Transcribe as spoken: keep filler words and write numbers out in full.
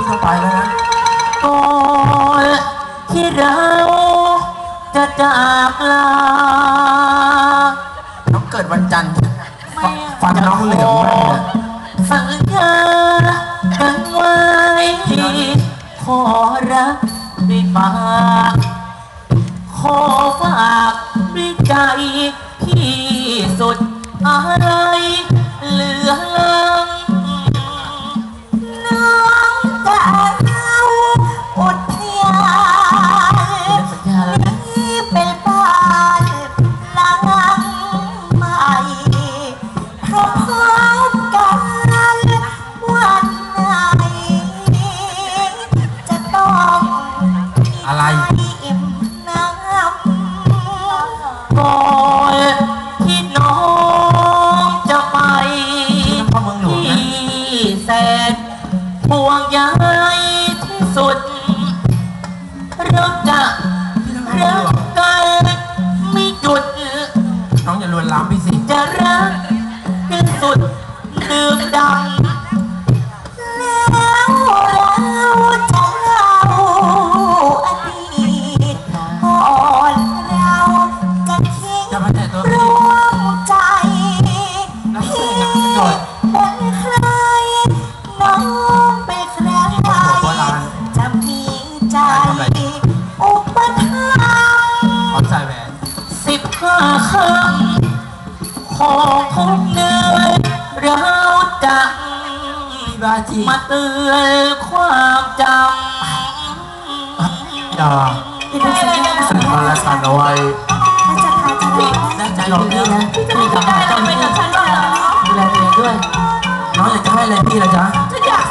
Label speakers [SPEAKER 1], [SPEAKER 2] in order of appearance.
[SPEAKER 1] พี่เข้าไปแล้วนะ
[SPEAKER 2] ก่อนที่เราจะจากลา
[SPEAKER 1] น้องเกิดวันจันทร์ฟันน้องเหลืองมากเลย
[SPEAKER 2] สัญญากันไว้ขอรักด้วยปากขอฝากด้วยใจที่สุดอะไรเหลือลัง
[SPEAKER 3] น้องจะเอาอุทยานนี้เป็นบ้านหลังใหม่พร้อมกันวันไหนจะต้อง
[SPEAKER 1] อะไร
[SPEAKER 3] อิ่มน้
[SPEAKER 2] ำก่อนที่น้องจะไปที่แสนห่วงใยที่สุดเราจะรักกันไม่หยุด
[SPEAKER 1] น้องอย่าลวนลามพี่สิ
[SPEAKER 2] จะรักกันสุดดื่มดำ
[SPEAKER 3] แล้วเราจะเล่าอดีตก่อนเราจะทิ้งร่วมใจพี่เป็นใครน้องเป็นใครจะมีใจอุปถัมภ์
[SPEAKER 1] ขอใส่แหวน
[SPEAKER 2] สิบห้าคำของทุกเนื้อเราจะมาเตือนความจำ
[SPEAKER 1] อย่าสั่งมาและสั่งเอาไว้
[SPEAKER 2] น่าใจหลอกพี่นะพี่กลับมาเจ้าพี่กับฉันด้วยเหรอดูแลตัวเองด้วยน้องอยากจะให้อะไรพี่ล่ะจ๊ะ